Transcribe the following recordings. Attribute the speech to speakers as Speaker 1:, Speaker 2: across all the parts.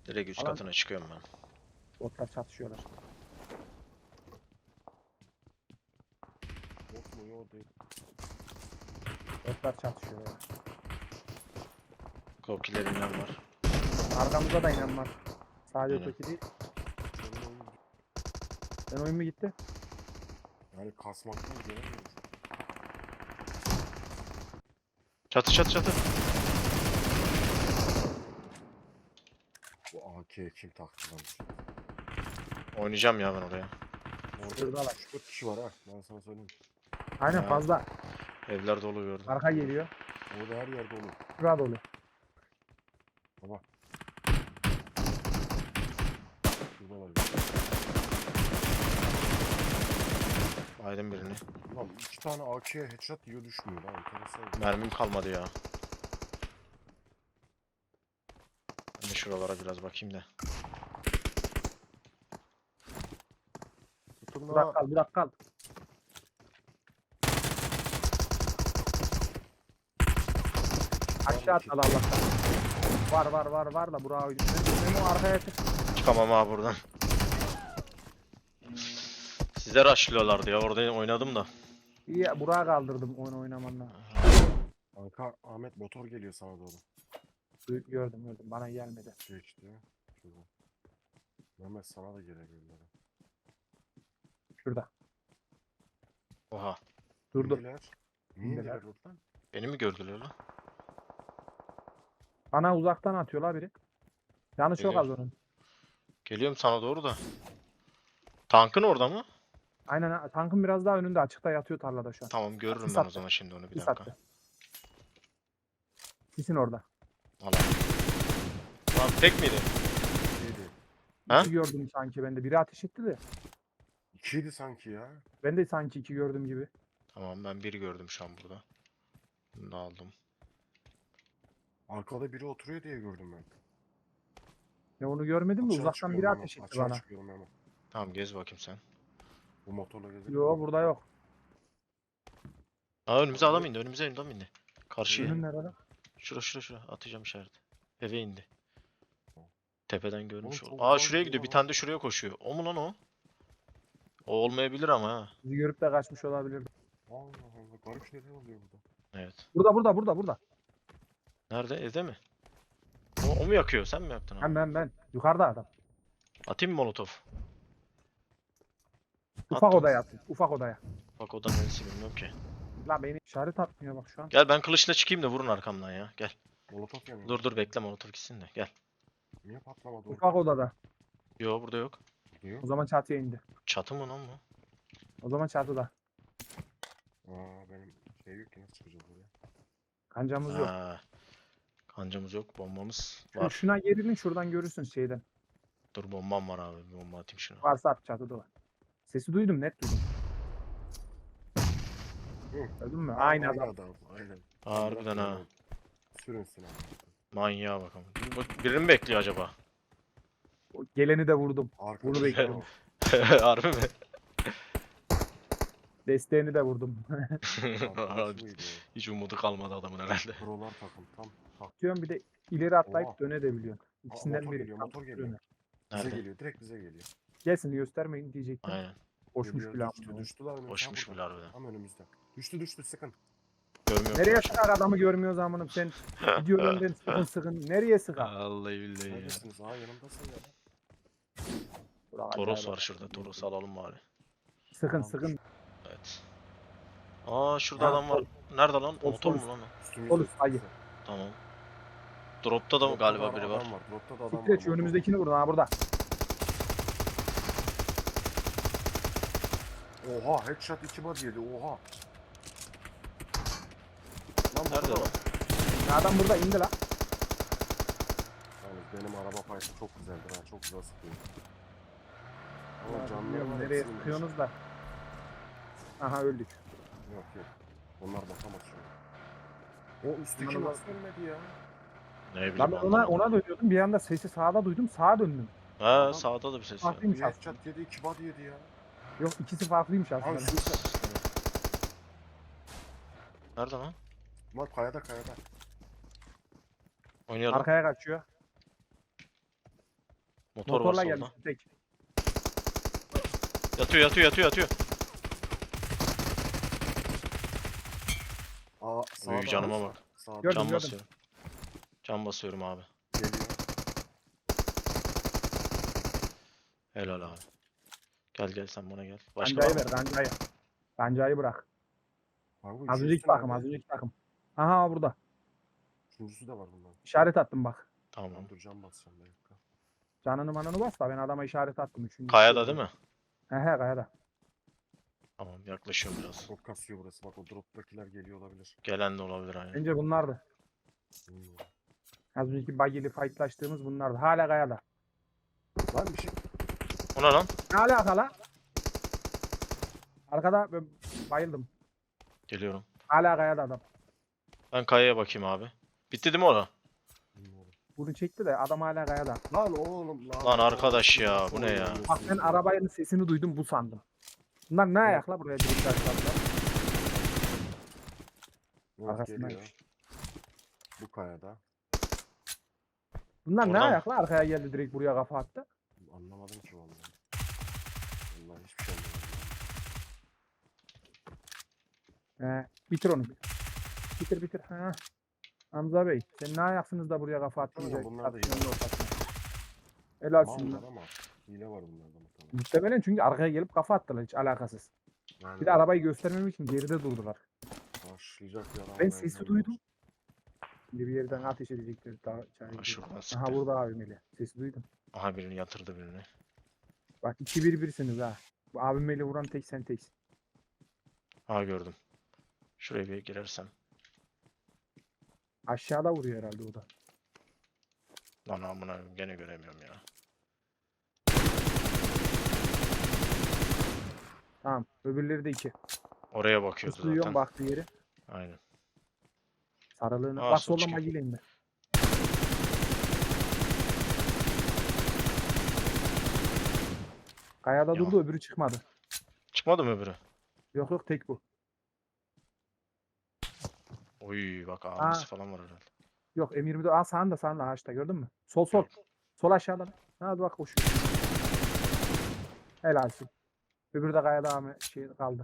Speaker 1: Direkt üst
Speaker 2: Alan-
Speaker 1: katına çıkıyorum ben.
Speaker 2: Botlar çatışıyorlar.
Speaker 3: Bot mu yok değil.
Speaker 2: Botlar çatışıyorlar.
Speaker 1: Kokilerinden var.
Speaker 2: Arkamızda da inen var. Sadece
Speaker 1: Aynen.
Speaker 2: öteki değil.
Speaker 3: Senin oyun
Speaker 2: Ben oyun mu gitti?
Speaker 3: yani kasmaktan göremiyoruz.
Speaker 1: Çatı çatı çatı.
Speaker 3: Bu AK kim taktı lan?
Speaker 1: Oynayacağım ya ben oraya.
Speaker 3: Orada
Speaker 2: Şuradalar.
Speaker 3: 3-4 kişi var ha. Ben sana söyleyeyim.
Speaker 2: Aynen
Speaker 1: Ha.
Speaker 2: fazla.
Speaker 1: Evler dolu gördüm.
Speaker 2: Arka geliyor.
Speaker 3: Orada her yerde olur.
Speaker 2: Şurada dolu.
Speaker 3: Baba. Şurada var.
Speaker 1: Aydın birini.
Speaker 3: Lan 2 tane AK'ye headshot yiyor düşmüyor lan. Enteresan.
Speaker 1: Mermim kalmadı ya. Ben de şuralara biraz bakayım da.
Speaker 3: Tutun
Speaker 2: Burak
Speaker 3: lan.
Speaker 2: kal, Burak kal. Aşağı at al Allah'tan. Var da Burak'a oyun. Memo arkaya çık.
Speaker 1: Çıkamam ha buradan. Sizler rushlıyorlardı ya, orada oynadım da.
Speaker 2: İyi Burak'a kaldırdım oyun oynamanla.
Speaker 3: Kanka Ahmet motor geliyor sana doğru.
Speaker 2: Gördüm. Bana gelmedi.
Speaker 3: Geçti ya. Şurada. Mehmet sana da gelebilirler.
Speaker 2: Şurada.
Speaker 1: Oha.
Speaker 2: Durdu.
Speaker 3: İndiler. Niye
Speaker 2: İndiler.
Speaker 3: indiler oradan?
Speaker 1: Beni mi gördüler lan?
Speaker 2: Bana uzaktan atıyorlar biri. Yanı çok
Speaker 1: Geliyor.
Speaker 2: az onun.
Speaker 1: Geliyorum sana doğru da. Tankın orada mı?
Speaker 2: Aynen tankın biraz daha önünde açıkta yatıyor tarlada şu an.
Speaker 1: Tamam, görürüm
Speaker 2: Sis
Speaker 1: ben o
Speaker 2: attı.
Speaker 1: zaman şimdi onu, bir
Speaker 2: Sis
Speaker 1: dakika.
Speaker 2: attı. Sisin orada.
Speaker 1: Al. Lan tek miydi?
Speaker 3: İkiydi.
Speaker 1: Ha?
Speaker 2: İki gördüm sanki bende. Biri ateş etti de.
Speaker 3: İkiydi sanki ya.
Speaker 2: Ben de sanki iki gördüm gibi.
Speaker 1: Tamam, ben biri gördüm şu an burada. Bunu da aldım.
Speaker 3: Arkada biri oturuyor diye gördüm ben.
Speaker 2: Ya onu görmedim de
Speaker 3: Açığa
Speaker 2: uzaktan
Speaker 3: çıkıyorum
Speaker 2: biri
Speaker 3: hemen,
Speaker 2: ateş etti
Speaker 3: açığa
Speaker 2: bana.
Speaker 3: çıkıyorum hemen.
Speaker 1: Tamam, gez bakayım sen.
Speaker 3: Bu motorla gezelim.
Speaker 2: Yo burada yok.
Speaker 1: Aa, önümüze
Speaker 3: Abi.
Speaker 1: adam indi, önümüze adam indi. Karşıya.
Speaker 2: Önün nerede?
Speaker 1: Şura atacağım işareti. Eve indi. Tepeden görmüş
Speaker 3: Oğlum
Speaker 1: ol.
Speaker 3: çok
Speaker 1: Aa,
Speaker 3: uzak
Speaker 1: şuraya
Speaker 3: gidiyor
Speaker 1: gidiyor. Bir
Speaker 3: lan.
Speaker 1: tane de şuraya koşuyor. O mu lan o? O olmayabilir ama ha.
Speaker 2: Bizi görüp de kaçmış olabilir.
Speaker 3: Allah Allah, garip şeyler oluyor burada.
Speaker 1: Evet.
Speaker 2: Burada.
Speaker 1: Nerede? Evde mi? O mu yakıyor? Sen mi yaktın abi?
Speaker 2: Ben. Yukarıda adam.
Speaker 1: Atayım mı molotof?
Speaker 2: Ufak
Speaker 1: Attım.
Speaker 2: odaya atın. Ufak odaya.
Speaker 1: Bak odanın neresi bilmiyorum ki.
Speaker 2: La beni işaret atmıyor bak şu an.
Speaker 1: Gel, ben kılıçla çıkayım da vurun arkamdan ya. Gel.
Speaker 3: Molotof yanıyor.
Speaker 1: Dur bekle, molotof gitsin de. Gel.
Speaker 3: Niye patlamadı
Speaker 2: Ufak odada.
Speaker 1: Yo, burada yok.
Speaker 3: Diyor.
Speaker 2: O zaman çatıya indi.
Speaker 1: Çatı mı lan bu?
Speaker 2: O zaman çatıda.
Speaker 3: Benim şey yok ki, nasıl çıkacağız buraya?
Speaker 2: Kancamız yok.
Speaker 1: Ha. Kancamız yok. Bombamız
Speaker 2: Şu-
Speaker 1: var.
Speaker 2: Şuna gelin şuradan görürsün şeyden.
Speaker 1: Dur, bombam var abi. Bir bomba atayım şuna.
Speaker 2: Varsa at çatıda var. Sesi duydum net duydum.
Speaker 3: Hı.
Speaker 2: Gördün mü? Aynı
Speaker 3: Aynı
Speaker 2: adam.
Speaker 3: Aynen.
Speaker 1: Harbiden ha.
Speaker 3: Sürünsün abi.
Speaker 1: Manyağa bakalım. Birini mi bekliyor acaba?
Speaker 2: O geleni de vurdum.
Speaker 3: Arkada
Speaker 2: Bunu
Speaker 3: şey
Speaker 2: bekliyorum.
Speaker 3: var.
Speaker 1: Harbi mi?
Speaker 2: Desteğini de vurdum.
Speaker 3: Arkadaşı mıydı
Speaker 1: Hiç umudu kalmadı adamın herhalde.
Speaker 3: o? Prolar takım tam.
Speaker 2: Diyorum bir de ileri atlayıp
Speaker 3: Oha.
Speaker 2: dönebiliyorsun. İkisinden
Speaker 3: motor
Speaker 2: biri.
Speaker 3: geliyor,
Speaker 2: Tam
Speaker 3: motor
Speaker 2: tutuyor
Speaker 3: geliyor.
Speaker 2: onu.
Speaker 3: Bize
Speaker 1: Nerede?
Speaker 3: geliyor, direkt bize geliyor.
Speaker 2: Gelsin göstermeyin diyecektim.
Speaker 1: Aynen.
Speaker 2: Koşmuş
Speaker 3: Geliyor,
Speaker 2: bile
Speaker 3: düştü,
Speaker 2: ama.
Speaker 3: düştü lan önümüzde.
Speaker 1: Boşmuş
Speaker 3: Ha,
Speaker 1: bile
Speaker 3: burada.
Speaker 1: harbiden.
Speaker 3: Tam önümüzde. Düştü, sıkın.
Speaker 1: Görmüyorum.
Speaker 2: Nereye
Speaker 1: ki.
Speaker 2: sıkar adamı görmüyoruz amınım sen. Gidiyor önden sıkın. Nereye sıkar?
Speaker 1: Vallahi billahi ya.
Speaker 3: Neredesiniz? Yanımdasın ya.
Speaker 2: Burak
Speaker 1: Toros
Speaker 2: acayip
Speaker 1: var şurada. Toros'u alalım bari.
Speaker 2: Sıkın.
Speaker 1: Evet. Aa, şurada
Speaker 2: Ha,
Speaker 1: adam var. Nerede lan?
Speaker 2: sol,
Speaker 1: Motor
Speaker 2: sol.
Speaker 1: mu lan o?
Speaker 3: Üstümüzde.
Speaker 2: Olur, hayır.
Speaker 1: Tamam. Drop'ta da mı galiba biri var?
Speaker 3: Adam var. Dropta da adam
Speaker 2: Siktir
Speaker 3: var.
Speaker 2: et şu önümüzdekini vurun ha burada.
Speaker 3: Oha, headshot 2 body yedi. Oha. Lan
Speaker 1: Nerede
Speaker 3: burada
Speaker 1: lan?
Speaker 3: var.
Speaker 2: Ya adam burada indi la.
Speaker 3: Yalnız benim araba payısı çok güzeldir ha. Çok güzel sıkıyor. Ama
Speaker 2: Ya
Speaker 3: canları
Speaker 2: bilmiyorum
Speaker 3: var.
Speaker 2: nereye
Speaker 3: hepsi inmiş.
Speaker 2: sıkıyorsunuz da. Aha öldük.
Speaker 3: Yok. Onlar bakamaz şu an. O üstteki
Speaker 2: Yanına
Speaker 3: nasıl ölmedi ya?
Speaker 1: Ne bileyim,
Speaker 2: Lan ben
Speaker 1: anlamadım.
Speaker 2: ona dönüyordum. Bir anda sesi sağda duydum. Sağa döndüm.
Speaker 1: Ha,
Speaker 3: Adam-
Speaker 1: sağda da bir ses var.
Speaker 2: Farklıymış
Speaker 3: Bir
Speaker 2: aslında.
Speaker 3: headshot yedi, 2 body yedi ya.
Speaker 2: Yok ikisi farklıymış
Speaker 3: Abi
Speaker 2: aslında.
Speaker 3: şurada.
Speaker 1: Nerede lan?
Speaker 3: Bunlar kayada.
Speaker 1: Oynayalım.
Speaker 2: Arkaya kaçıyor.
Speaker 1: Motor var
Speaker 2: Motorla
Speaker 1: solda.
Speaker 2: gelmiş tek.
Speaker 1: Yatıyor.
Speaker 3: Aa sağda.
Speaker 1: Uy canıma bak.
Speaker 3: Sağda.
Speaker 2: Gördüm,
Speaker 1: Can
Speaker 2: gördüm.
Speaker 1: basıyorum. Can basıyorum abi.
Speaker 3: Geliyor.
Speaker 1: Helal abi. Gel sen bana gel. Başka
Speaker 2: Kancayı
Speaker 1: var mı?
Speaker 2: ver kancayı. Kancayı bırak.
Speaker 3: Kanka
Speaker 2: Az
Speaker 3: üçüncüsü
Speaker 2: önceki takım
Speaker 3: nerede?
Speaker 2: az önceki takım. Aha burada.
Speaker 3: Üçüncüsü de var bundan.
Speaker 2: İşaret attım bak.
Speaker 1: Tamam.
Speaker 3: Ben duracağım basacağım bir dakika.
Speaker 2: Canını manını bas da ben adama işaret attım. Üçüncü
Speaker 1: Kayada değil mi?
Speaker 2: He kayada.
Speaker 1: Tamam yaklaşıyorum biraz.
Speaker 3: Çok kasıyor burası. Bak o drop'takiler geliyor olabilir.
Speaker 1: Gelen de olabilir aynen.
Speaker 2: Bence bunlardı.
Speaker 3: Bilmiyorum.
Speaker 2: Az önceki buggy'li fightlaştığımız bunlardı. Hala kayada.
Speaker 3: Lan bir şey.
Speaker 1: O ne lan?
Speaker 2: Ne alaka la? Arkada ben bayıldım.
Speaker 1: Geliyorum.
Speaker 2: Hala kayada adam.
Speaker 1: Ben kayaya bakayım abi. Bitti değil mi orada?
Speaker 3: Bilmiyorum.
Speaker 2: Bunu çekti de adam hala kayada.
Speaker 3: Lan oğlum lan.
Speaker 1: Lan arkadaş ya,
Speaker 3: Nasıl
Speaker 1: bu ne ya?
Speaker 3: oynamıyorsunuz
Speaker 2: Bak ben
Speaker 3: ya?
Speaker 2: arabanın sesini duydum bu sandım. Bunlar ne ayakla buraya direkt açtılar.
Speaker 3: Yok,
Speaker 2: Arkasından
Speaker 3: geliyor. Bu kayada.
Speaker 2: Bunlar ne
Speaker 1: Oradan mı?
Speaker 2: ayakla arkaya geldi direkt buraya kafa attı.
Speaker 3: Anlamadım ki vallahi. Vallahi hiçbir şey anlamadım.
Speaker 2: Bitir onu. Bitir. Ha. Hamza Bey sen ne ayaksınız da buraya kafa attınız?
Speaker 3: Tamam, bunlar da iyi.
Speaker 2: Helalsin.
Speaker 3: Mallar ama hile var bunlarda muhtemelen.
Speaker 2: Muhtemelen çünkü arkaya gelip kafa attılar hiç alakasız.
Speaker 3: Yani
Speaker 2: Bir de arabayı göstermem için geride durdular.
Speaker 3: karşılayacak bir adam.
Speaker 2: Ben
Speaker 3: var,
Speaker 2: sesi
Speaker 3: yani.
Speaker 2: duydum. Şimdi bir yerden ateş edecekler. Daha
Speaker 1: Ha, şuradan
Speaker 2: Aha
Speaker 1: sıktı.
Speaker 2: burada AVM'li. Sesi duydum.
Speaker 1: Aha birini yatırdı birini.
Speaker 2: Bak 2-1-1'siniz ha. Bu AVM'li vuran tek sen teksin.
Speaker 1: Aha gördüm. Şuraya bir girersem.
Speaker 2: Aşağıda vuruyor herhalde o da.
Speaker 1: Lan amına gene göremiyorum ya.
Speaker 2: Tamam. Öbürleri de 2.
Speaker 1: Oraya bakıyordu
Speaker 2: Duyuyorum
Speaker 1: zaten.
Speaker 2: baktığı yeri.
Speaker 1: Aynen.
Speaker 2: Sarılığını.
Speaker 1: Aa,
Speaker 2: Bak
Speaker 1: sol
Speaker 2: soldan
Speaker 1: çıkıyor.
Speaker 2: magileyim ben. Kayada
Speaker 1: Ya.
Speaker 2: durdu öbürü çıkmadı.
Speaker 1: Çıkmadı mı öbürü?
Speaker 2: Yok tek bu.
Speaker 1: Oy bak ağabeyisi falan var herhalde.
Speaker 2: Yok M24. Aa sağında ağaçta gördün mü? Sol.
Speaker 1: Yok.
Speaker 2: Sol aşağıdan. Hadi bak koşuyor. Helalsin. Öbürü de kayada ama şey kaldı.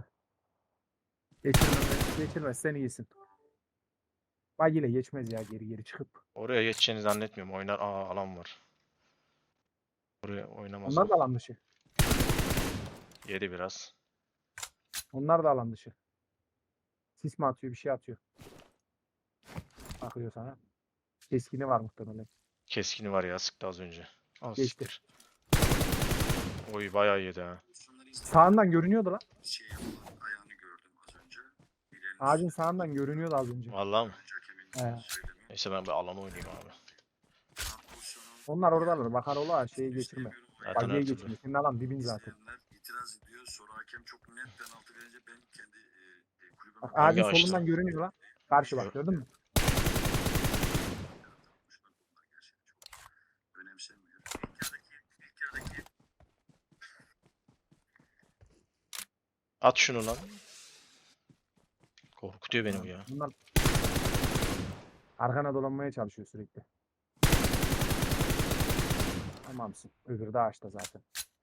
Speaker 2: Geçirmez sen iyisin. Bak yine geçmez ya geri çıkıp.
Speaker 1: Oraya geçeceğini zannetmiyorum. Oynar. Aa alan var. Oraya oynamaz.
Speaker 2: Onlar
Speaker 1: o.
Speaker 2: da alan dışı.
Speaker 1: Yedi biraz.
Speaker 2: Onlar da alan dışı. Sis mi atıyor bir şey atıyor. Bakıyor sana. Keskini var muhtemelen.
Speaker 1: Keskini var ya sıktı az önce. Az
Speaker 2: Geçti.
Speaker 1: siktir. Oy bayağı yedi ha.
Speaker 2: Sağından görünüyordu lan.
Speaker 4: Şey yapılan ayağını gördüm az önce. Bileğini
Speaker 2: Ağacın sağından görünüyordu az önce.
Speaker 1: Vallahi mı?
Speaker 4: hakeminin
Speaker 2: He.
Speaker 4: söylemi.
Speaker 1: Neyse ben bir alan oynayayım abi.
Speaker 4: Pozisyonun
Speaker 2: Onlar oradalar. Bakar ola şeyi geçirme.
Speaker 1: Zaten
Speaker 2: Bagiye
Speaker 1: her türlü.
Speaker 2: geçirme. Senin alan dibin zaten.
Speaker 4: izleyenler itiraz ediyor. Sonra hakem çok net penaltı verince ben kendi kulübüme
Speaker 2: Bak
Speaker 1: Hangi
Speaker 2: ağacın
Speaker 1: ağaçta?
Speaker 2: solundan görünüyor lan. Karşı bak gördün mü?
Speaker 4: bunlar gerçekten çok önemsenmiyor. İlk yarıdaki
Speaker 1: At şunu lan. Korkutuyor beni bu ya.
Speaker 2: Bunlar arkana dolanmaya çalışıyor sürekli. Tamamsın. Öbürü de ağaçta zaten.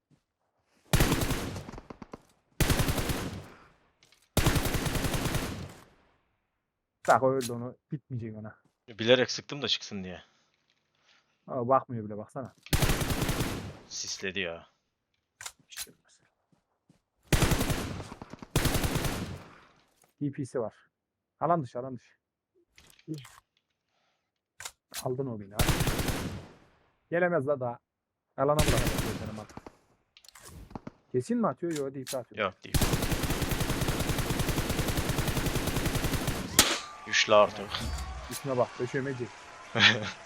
Speaker 2: Bak o öldü onu. Bitmeyecek ona.
Speaker 1: Bilerek sıktım da çıksın diye.
Speaker 2: Ama bakmıyor bile baksana.
Speaker 1: Sisledi ya.
Speaker 2: DP'si var. Alan dışı. Aldın o beni. Hadi. Gelemez la daha. Alana bırakacak benim at. Kesin mi atıyor? Yok DP atıyor.
Speaker 1: Yok değil. Güçlü artık.
Speaker 2: Üstüne bak. Döşemeci.